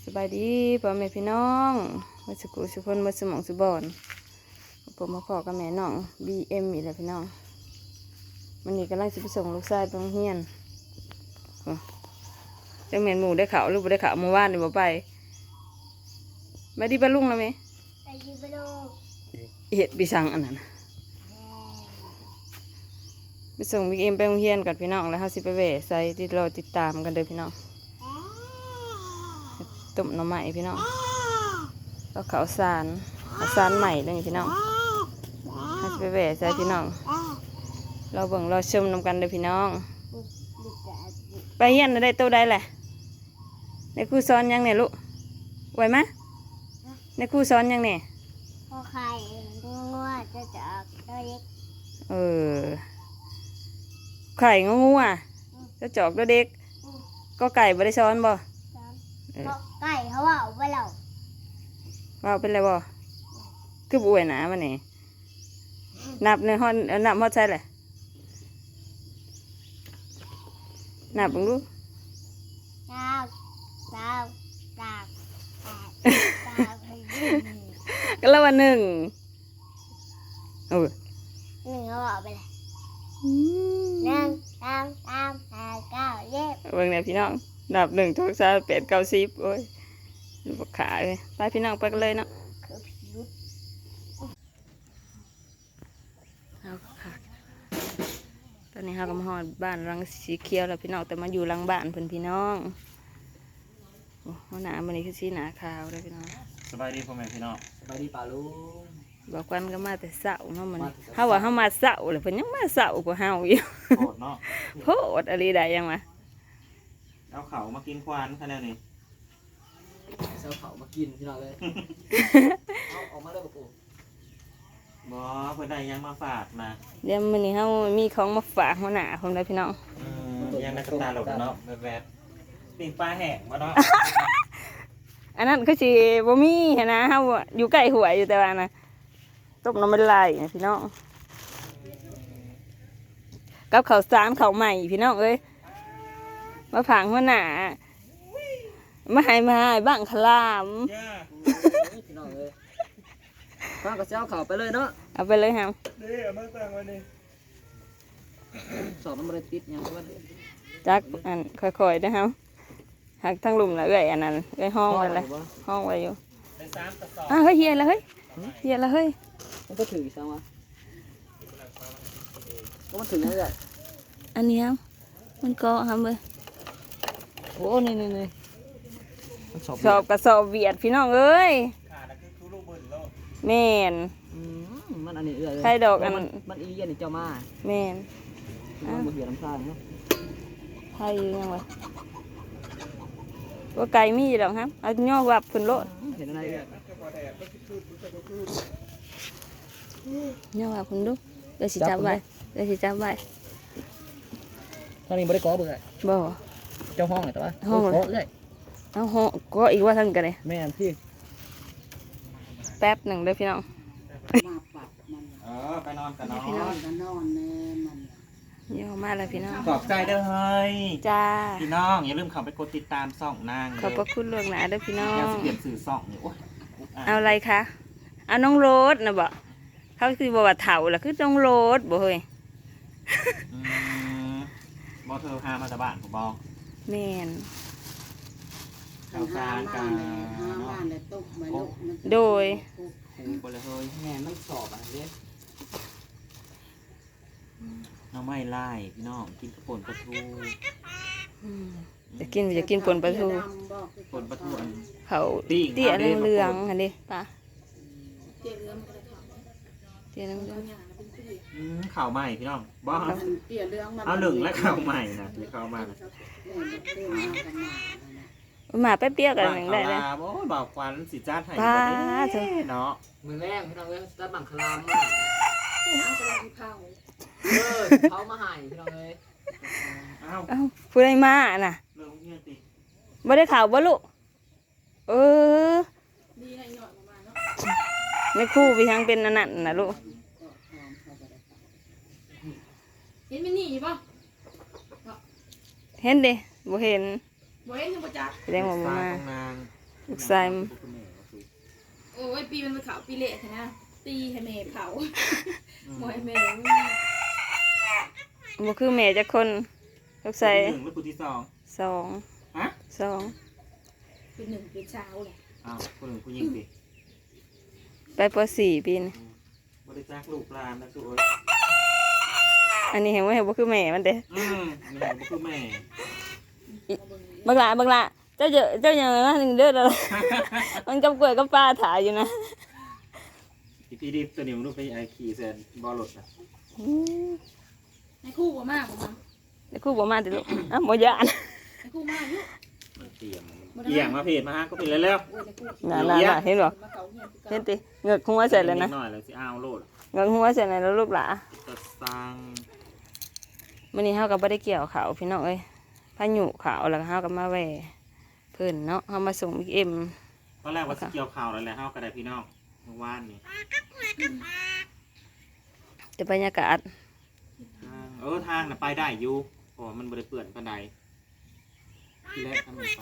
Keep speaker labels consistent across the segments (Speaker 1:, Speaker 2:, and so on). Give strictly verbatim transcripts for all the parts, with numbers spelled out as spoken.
Speaker 1: สบายดีพ่อแม่พี่น้องมาสุกุสุคนมาสมองสุบอนผมมาพ่อกับแม่น้องบีเอ็มอีกแล้วพี่น้องมันนี่กำลังจะไปส่งลูกชายไปโรงเรียนจังแม่นหมูได้ข่าวลูกได้ข่าวเมื่อวานนี่บ่ไปไปดีปะลุงแล้วไหม
Speaker 2: ไปดีปะลุง
Speaker 1: เห็ดปีสังอันนั้นไปส่งบีเอ็มไปโรงเรียนกับพี่น้องแล้วเขาสิไปแหวะใส่ที่เราติดตามกันเด้อพี่น้องต้มหน่อไม้พี่น้องแล้วข้าวสารข้าวสารใหม่เลยพี่น้องเขาสิไปแหวะใส่พี่น้องเราเบิ่งเราชมนำกันเด้อพี่น้องไปเฮียนได้ตัวใดแหละในครูสอนยังเนี่ยลูกไหวไหมในครูสอนยังเนี่ย
Speaker 2: พอไข่งัวจะจับตัวเล็ก
Speaker 1: เออไข่งูงูอ่ะจะจอกตัวเด็กก็ไก่บริซ้อนบ่
Speaker 2: ไก่เขาว่าเอาไปแล้ว
Speaker 1: ว่าเป็นไรบ่คือบุ๋ยหนามันนี่นับในห้องนับห้องใช่เลยนับบังดู
Speaker 2: ดาวดาวดาวดาว
Speaker 1: ก็แล้ววันหนึ่งเออ
Speaker 2: หนึ่งเขาเอาไปเลยหนึ่งสองสามสี่เก้าเย็บ
Speaker 1: เบิ่งเนี่ยพี่น้องนับหนึ่งทุกสามแปดเก้าสิบโอ้ยลูกขาเลยไปพี่น้องไปกันเลยเนาะเอาค่ะตอนนี้เรากำลังหอดบ้านรังสีเขียวแล้วพี่น้องแต่มาอยู่หลังบ้านเพื่อนพี่น้องโอ้หน้ามันนี่คือสีหนาขาวเลยพี่น้อง
Speaker 3: สบายดีพ่อแม่พี่น้อง
Speaker 4: สบายดีป่าลุง
Speaker 1: บอกกันก็มาแต่เสาเนาะมันเขาว่าเขามาเสาเลยเพิ่นยังมาเสากว่าเฮาอยู่
Speaker 3: โหดเนาะ
Speaker 1: โหดอะไรได้ยังมา
Speaker 3: เอาเขามากินควานคะแนนนี้
Speaker 4: เช้าเขามากินพี่น้องเลยเอาออกมาเลยป่าปู
Speaker 3: บอเพื่อนได้ยังมาฝากนะ
Speaker 1: เดี๋ยวมันนี่เขามีของมาฝากหัวหน้าผมเลยพี่น้อง
Speaker 3: ยังในกระตาหลดเนาะแบบแบบปิ่งปลาแห้งมาเนาะ
Speaker 1: อันนั้นคือสิบ่มีนะเฮาอยู่ใกล้หัวอยู่แต่ว่านะต้มน้ำมันไหลพี่น้องกับข้าวสารข้าวใหม่พี่น้องเอ้ยมาผังหัวหน้ามาให้มาให้บ้างขลาม
Speaker 4: พี่น้องเลยฟังกับเจ้าเขาไปเลยเนาะ
Speaker 1: เอาไปเลยครับ
Speaker 3: เดี๋ยวมาตั้งไว้นี่
Speaker 4: สอบมันบริติดยังว่า
Speaker 1: จักอันค่อยๆนะครับหักทั้งลุมละเอ้ยอันนั้นเอ้ยห้องไว้เลยห้องไว้อยู่อ่ะเฮ้ยเฮียละเฮ้ยเฮียละเฮ้ย
Speaker 4: มันก็ถือซ้ำวะก็มันถือยังไง
Speaker 1: อันนี้ครับมันก็ทำเลย
Speaker 4: โอ้นี่นี่นี่
Speaker 1: สอบกับสอบเวียดพี่น้องเอ้ยแม่น
Speaker 4: มันอันนี้เอื้อ
Speaker 1: ใครดอกอัน
Speaker 4: มันอีเย็นนี่เจ้ามา
Speaker 1: แม่น
Speaker 4: มันเหี่ยน้ำตาลเนาะ
Speaker 1: ใครยังไงว่าไก่มีดอกครับเอาย่อวับขึ้นรถ
Speaker 4: เห็นอะไรเอื้
Speaker 1: อย่อวับขึ้นดูเดี๋ยวสิจับไว้เดี๋ยวสิจับไว้
Speaker 4: ตอนนี้บริกรเบื่อ
Speaker 1: บ่
Speaker 4: เจ้าห้องเลยแต่ว่า
Speaker 1: ห้อง
Speaker 4: เลย
Speaker 1: เอาห้องก็อีกว่าทั้งกันเลย
Speaker 4: แม่พี่
Speaker 1: แป๊บหนึ่งเลยพี่น้อง
Speaker 3: เออไปนอนกันนอน
Speaker 2: พี่น้องกันนอนแน่มัน
Speaker 1: ย่อมาเลยพี่น้อง
Speaker 3: ขอบใจเด้อเฮ้ย
Speaker 1: จ้า
Speaker 3: พี่น้องอย่าลืมเข้าไปกดติดตามส่องนาง
Speaker 1: ขอบพระคุณล่วงหน้าเด้อพี่น้อง
Speaker 3: อยากเปลี่ยนสื่อส่องอยู่
Speaker 1: เอาอะไรคะเอาน้องโรสนะบ่เขาคือบอกว่าเถาล่ะคือน้องโรสบ่เฮ้ย
Speaker 3: บอเธอพามาจากบ้านผมบอก
Speaker 1: แม่น
Speaker 3: ข้าวสารกัน
Speaker 1: โดย
Speaker 3: ไปเลยเฮ้ย
Speaker 4: แม่มันสอบอะไรเด้
Speaker 3: น้องไม่ไล่พี่น้องกินกระป่นปลาทู
Speaker 1: จะกินจะกินป่นปลาทู
Speaker 3: ป่นปลาทู
Speaker 1: เขาเตี้ยเหลืองๆอันนี้ปะเตี้ยเหลืองเตี้ยเหลือง
Speaker 3: ข่าวใหม่พี่น้องบอกเอาหนึ่งและข่าวใหม่นะที่ข่าวมา
Speaker 1: หมาแป๊บเดียวกันหนึ่งได้เลย
Speaker 3: โอ้บอกควันสีจ้าไทยเนาะ
Speaker 4: มือแรกพี่น้องเลยตะบังคลามมากเออเขามาหายพี่น้องเลย
Speaker 1: อ้าวพูดอะไรมาน่ะไม่ได้ข่าวบ่ลูกเออในคู่พี่ทั้งเป็นนั่นน่ะลูก
Speaker 2: เห็นมันหนีป่ะ
Speaker 1: เห็นดิบ่เห็น
Speaker 2: บ่เห็นยังบ่จัก
Speaker 1: แสดงว่าบ่มาลูกชาย
Speaker 5: โอ้ยปีมันไปเขาปีเละเถอะนะตีให้แม่เผาหมอยแม่
Speaker 1: บ่คือแม่จักคนลูกชาย
Speaker 3: หนึ่งแล้วคนที่สอง
Speaker 1: สอง
Speaker 3: ฮะ
Speaker 1: สอง
Speaker 5: เป็นหนึ่งเป็นเช้าเลย
Speaker 3: อ้าวคนหนึ่งผู้หญิงดิ
Speaker 1: ไปปสี่ปีนี่
Speaker 3: บริจาคลูกหลานนะสุโอ้ย
Speaker 1: อันนี้เห็นว่าเห็นบ่คือแม่มันเด้
Speaker 3: อืมนี่ก็คือแม่
Speaker 1: บักหลาบักหลาเจ้าเจอเจ้าอย่างนั้นหนึ่งเด้อแล้ว มันกับกล้วยกับปลาถ่ายอยู่นะ
Speaker 3: อีพี่ดิบตัวนี้มันรู้ไปไอขี่แซนบอลรถนะ
Speaker 1: อืม
Speaker 5: ในคู่บ่มากบ่มา
Speaker 1: เดี๋ยวครูบ่มาติลูกอ่ะบ่ยาน
Speaker 5: ในคู่มากอยู่
Speaker 3: มันเตรียมมันเกี่ยงมาเพจมาฮะก็เป็นแล้วแล้ว
Speaker 5: โอ้ยในคู่
Speaker 1: น่ะๆๆเห็นบ่
Speaker 5: มาเขาเงียบคือ
Speaker 1: เห็
Speaker 5: เก่าน
Speaker 1: ติเหงือกหัวใส่เลยนะ
Speaker 3: หน่อยเลยสิอ้าวโลด
Speaker 1: เหงือกหัวใส่เลยแล้วลูกหลา
Speaker 3: จะสร้าง
Speaker 1: มื้อนี้เฮาก็บ่ได้เกี่ยวข้าวพี่น้องเอ้ยพายุข้าวแล้วก็เฮาก็มาแหว่เพิ่นเนาะเฮามาส่งบิ๊กเอ็ม
Speaker 3: ตอนแรกว่าสเกี่ยวข่าวอะไรแล้วเฮากระไดพี่น้องเมื่อวานนี่
Speaker 1: แต่บรรยากาศ
Speaker 3: ทางเออทางน่ะไปได้อยู่เพราะว่ามันบริเปื่อนปานใดที่แรกทำมันไป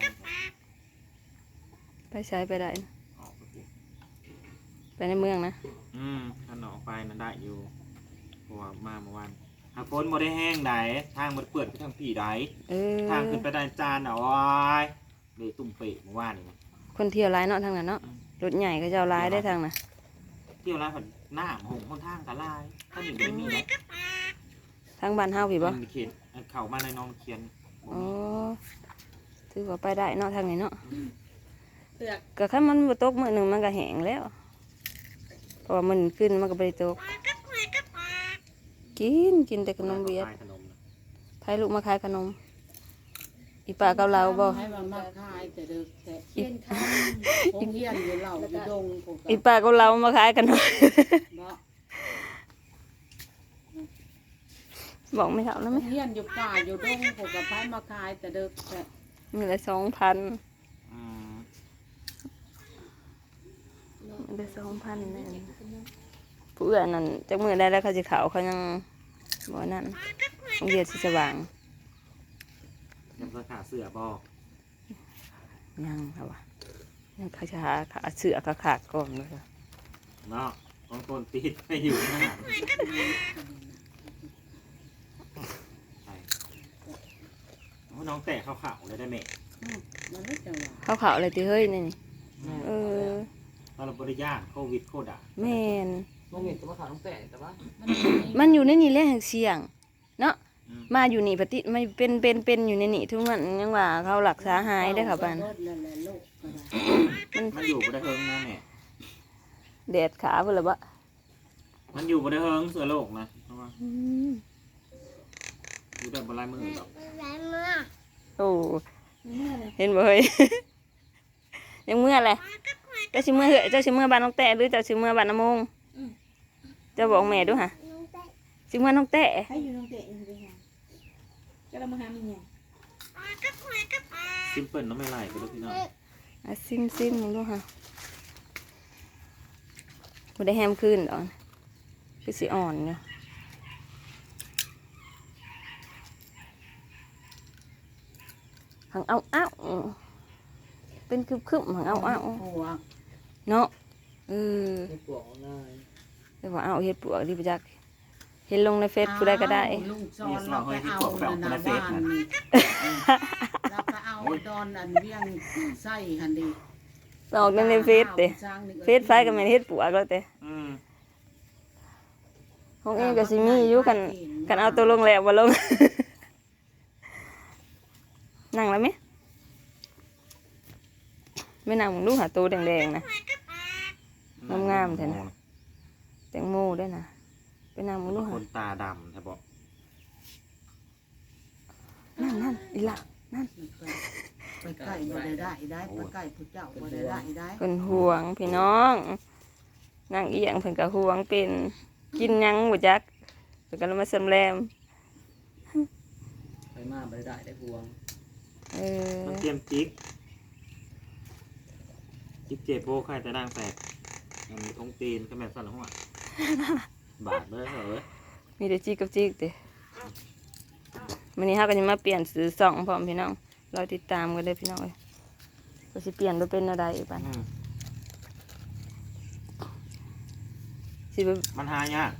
Speaker 1: ไปใช้ไปได้นะ
Speaker 3: ออกไปปุ๊บ
Speaker 1: ไปในเมืองนะ
Speaker 3: อืมถ้าหนออกไปนั่นได้อยู่เพราะว่ามาเมื่อวานหากฝนบ่ได้แห้งใดทางมันเปื่อนไปทางผีใด
Speaker 1: เออ
Speaker 3: ทางขึ้นไปได้จานเอาไว้เลยตุ่มเปะเมื่อวานนี่นะ
Speaker 1: คนเที่ยวร้ายเนาะทางนั้นเนาะรถใหญ่ก็จะเอาร้ายได้ทางน่ะ
Speaker 3: เที่ยวร้านผัดหน้าหงคนทางกะลายถ้าหนึ่งไม่มีนะ
Speaker 1: ทางบ้านเฮาพี่บ่
Speaker 3: มันมีเขียนเข่ามาในน้องเขียนบ่
Speaker 1: อ๋อ
Speaker 3: มี
Speaker 1: ถือว่าไปได้เนาะทางนี้เนาะ
Speaker 5: เตือก
Speaker 1: ก็คันมันบ่ตกมื้อหนึงมันก็แห้งแล้วเพราะว่ามันขึ้นมันก็บ่ได้ตกกินกินแต่ขนมเวียด
Speaker 3: ขนมนะ
Speaker 1: ไผลูกมาขายขนม อีป้ากับเราบ่
Speaker 6: ให้มันมาขายแต่เด็กแต่
Speaker 5: เขียนค
Speaker 6: คงเฮียนอยู่เหล่าอยู่ดงพวก
Speaker 1: อีป้ากับเรามาขายขนม
Speaker 6: เนาะ
Speaker 1: บอกไม่เท่านะ
Speaker 6: ค
Speaker 1: แม่
Speaker 6: งเฮียนอยู่ป่าอยู่ดงพวกกับพายมาขายแต่เด็กแต่
Speaker 1: มีละสองพัน
Speaker 3: อืม
Speaker 1: มีละสองพันนั่นผู้อื่นนั่นจักมือได้แล้วเขาสิเขาเขายังบ่นั่นโรงเรียนสิสว่าง
Speaker 3: ยังราคาเสื้อบอก
Speaker 1: ยังค่ะวะยังเขาจะหาขาเสือขาขาดก่อนเลยค่ะ
Speaker 3: เนาะบางคนติดไปอยู่หน้าใช่โอ้น้องแตะขาวๆเลยได้ไหม
Speaker 6: มันไม่จังหวะ
Speaker 1: เขาเขาอะไรตีเฮ้ยนี่นี่เออ
Speaker 3: ตอนเราบริยากโควิดโคดอ่ะ
Speaker 1: แม่น
Speaker 4: โรงเรียนก็มาขายน้องแต่แต่ว่า
Speaker 1: มันอยู่ในนี่แหละแห่งเสียง เนาะมาอยู่นี่ปฏิไม่เป็นเป็นเป็นอยู่ในนี่ทุกวันยังว่าเขาหลักษาหายได้อค่ะบ้าน
Speaker 6: รถนั่นแหละลูกก็ได้
Speaker 3: มันอยู่บริเฮิงนะแม่
Speaker 1: แดดขาเพื่อละบะ
Speaker 3: มันอยู่บริเฮิงเสือโลกนะเพราะว่า
Speaker 1: อืม
Speaker 3: อยู่แต่บนลายมือหรอก
Speaker 2: แรงเมื่อ
Speaker 1: โอ้เห็นบ่เฮ้ย ยังเมื่อไรเจ้าชิเมื่อเหอะเจ้าชิเมื่อบ้านน้องแตะหรือเจ้าชิเมื่อบ้านน้ำมงเจ้าบอกแม่ดูฮะ
Speaker 2: น้องเต้
Speaker 1: ชิเมื่อน้องแตะ
Speaker 5: ให้อยู่น้องเตะอยู่ด้วยกันก็เรามาหามีไง
Speaker 3: ซิมเปิลน้องไม่ไล่ไปด้วยพี่น้อง
Speaker 1: อ่ะซิมซิมมึงดูฮะบ่ได้แฮมขึ้นดอกคือสิอ่อนอยู่หังเอาเอาเป็นคึบคึบหังเอาเอา
Speaker 6: หัว
Speaker 1: เนาะเออ
Speaker 4: ในปลอกนาย
Speaker 1: เดี๋ยวว่าเอาเฮ็ดปลวกดิบจักเห็นลงในเฟซผู้ใดก็ได้
Speaker 6: อ้าวลุงจอนเราไปเอานานาบ้านนี่เราไปเอาดอนอันเวียงไส้หันดี
Speaker 1: ออกในเฟซเด้เฟซไฟก็แม่นเฮ็ดปลวกแล้วเด้
Speaker 3: อืม
Speaker 1: ของเองก็สิมีอยู่กันกันเอาตัวลงแล้วบ่ลง นั่งแล้วไหมไม่นั่งมึงดูหาตัวแดงๆนะ งามๆแท้นะ แตงโมด้วยนะไปนั่งมึงดู
Speaker 3: ค
Speaker 1: หาน
Speaker 3: ตาดำใช่บอก
Speaker 1: นั่นนั่นอีหละ
Speaker 6: ไปใกล้บ่ได้ได้ได้ไปใกล้ผู้เจ้าบ่ได้ได้ได้
Speaker 1: เพิ่นห่วงพี่น้องนั่งเอียงเพิ่นก็ห่วงเป็นกินหยังบ่จักเพิ่นก็เลยมาสำแรม
Speaker 4: ไปมาไม่ได้ได้พวง
Speaker 1: เออ
Speaker 3: มันเตรียมจิกจิกเจ็บโบใครแต่ดังแตกมันมีองตีนก็แม่นสั่นหัวบาดเลยเหรอ
Speaker 1: มีแต่จิกกับจิกติมื้อนี้เฮาก็สิมาเปลี่ยนซื้อซ่องพร้อมพี่น้องเราติดตามกันเด้อพี่น้องเอ้ยก็สิเปลี่ยนไปเป็นอะไรอีกบ้าง
Speaker 3: อืม
Speaker 1: สิไป
Speaker 3: มันหายาก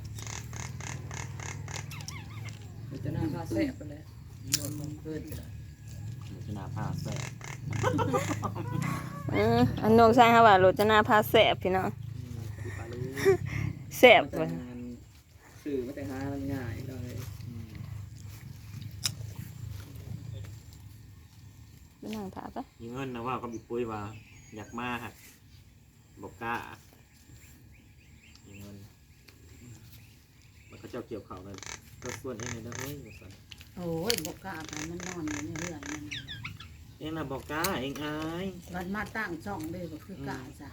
Speaker 4: มันจะน่าพาแซ่บไปเลยโดนมันเกินไปเลย
Speaker 3: ชนะผ้าแสบ
Speaker 1: อืมอันนกสร้างฮาว่าโรจนาพาแสบพี่น้อง
Speaker 4: ที่ปลาลู
Speaker 1: แสบ
Speaker 4: มัน
Speaker 1: เล
Speaker 4: แต่
Speaker 1: ย
Speaker 4: งานสื่อมันแต่งานง่ายเลย
Speaker 1: ไปนั่งถามปะ
Speaker 3: ยิงเงินนะว่าก็มีปุ้ยว่าอยากมาหักบอกกล้ายิงเงินมันก็เจ้าเกี่ยวเขาเลยก็ส่วนเองเลยนะเฮ้ยบอกสัน
Speaker 6: โอ้ยบกล้าไปมันนอนอยู่ในเรือนมัน
Speaker 3: เองนะบอกกล้าเองอาย
Speaker 6: มันมาตั้งช่องเลยก็คือกล้าจ้ะ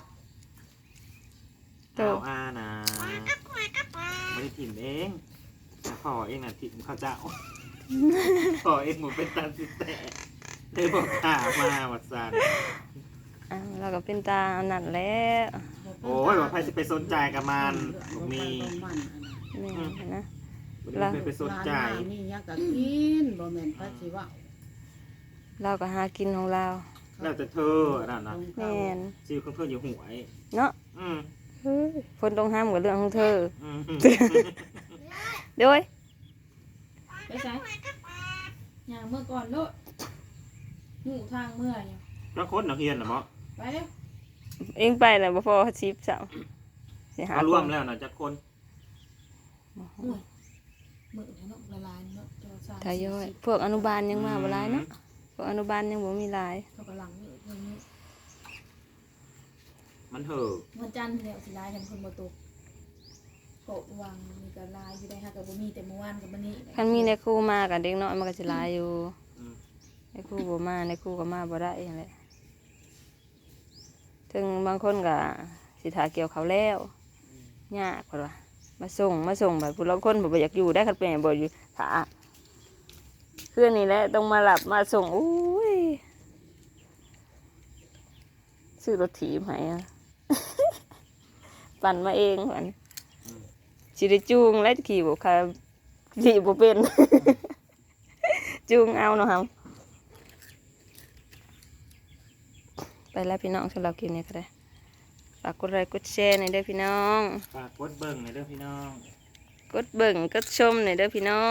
Speaker 3: เอาอานะไม่ได้ถิ่มเองแต่พ่อเองน่ะถิ่มข้าวเจ้าพ่อเองหมดเป็นตาสิแต่ได้บอกกล้ามาวัดสัน
Speaker 1: อ่าเราก็เป็นตาอันนั่นแหล้ว
Speaker 3: โอ้ยว่าใครจะไปสนใจกับมันบอกมี
Speaker 6: มันอันนั้น
Speaker 1: แม่นะ
Speaker 3: ไม่ได้ไปสนใจ
Speaker 6: ร้านมามีหยังก็กินบ่แม่นพระสิว่า
Speaker 1: เราก็หากินของเรา
Speaker 3: แล้วแต่เธอนั่นนะ
Speaker 1: แม่น
Speaker 3: ชื่อของเธออยู่หวย
Speaker 1: เนาะ
Speaker 3: อืม
Speaker 1: เฮ้ยคนต้องห้ามกับเรื่องของเธอ
Speaker 3: อืม
Speaker 1: เด้วย
Speaker 5: ไปใช้อย่างเมื่อก่อนโลดหมู่ทางเมื่อเนี่ย
Speaker 3: แล้วคนนักเรียนนะมั้ง
Speaker 5: ไปเร็ว
Speaker 1: เองไปแล้วบ่พอชิปเจ้าสิหา
Speaker 3: เอารวม
Speaker 1: คน
Speaker 3: แล้วนะจักคน
Speaker 5: มือเนาะละลายเนาะเจ้าชาย
Speaker 1: ทายอยพวกอนุบาลยังมาบ่หลายเนาะพวกอนุบาลยังบ่มีหลาย
Speaker 5: เขากำลังนี่เรื่องนี้
Speaker 3: มันเถอะ
Speaker 5: วันจันทร์เนี่ยสิลายกันคนบ่ตกโกะวางมีกระลายอยู่ได้ฮะกับบ่มีแต่เมื่อวานกับมื้อนี้
Speaker 1: คันมีในครูมากับเด็กน้อยมันก็สิหลายอยู่
Speaker 3: อืม
Speaker 1: ในครูบ่มาในครูก็มาบ่ได้นั่นแหละถึงบางคนก็สิถาเกี่ยวเขาวแล้วยากกว่ามาส่งมาส่งแบบผู้ละคนบ่อยากอยู่ได้คันเป็นบ่อยู่ถาเพื่อนนี่แหละต้องมาหลับมาส่งอุ้ยซื้อรถถีบให้อะ ปั่นมาเองมันสิได้จูงและขี่บ่ค่ะขี่บ่เป็น จูงเอาเนาะครับไปแล้วพี่น้องสำหรับคลิปนี้ก็ได้ฝากกดไลค์กดแชร์หน่อยเด้อพี่น้อง
Speaker 3: ฝากกดเบิ่งหน่อยเด้อพี่น้อง
Speaker 1: กดเบิ่งกดชมหน่อยเด้อพี่น้อง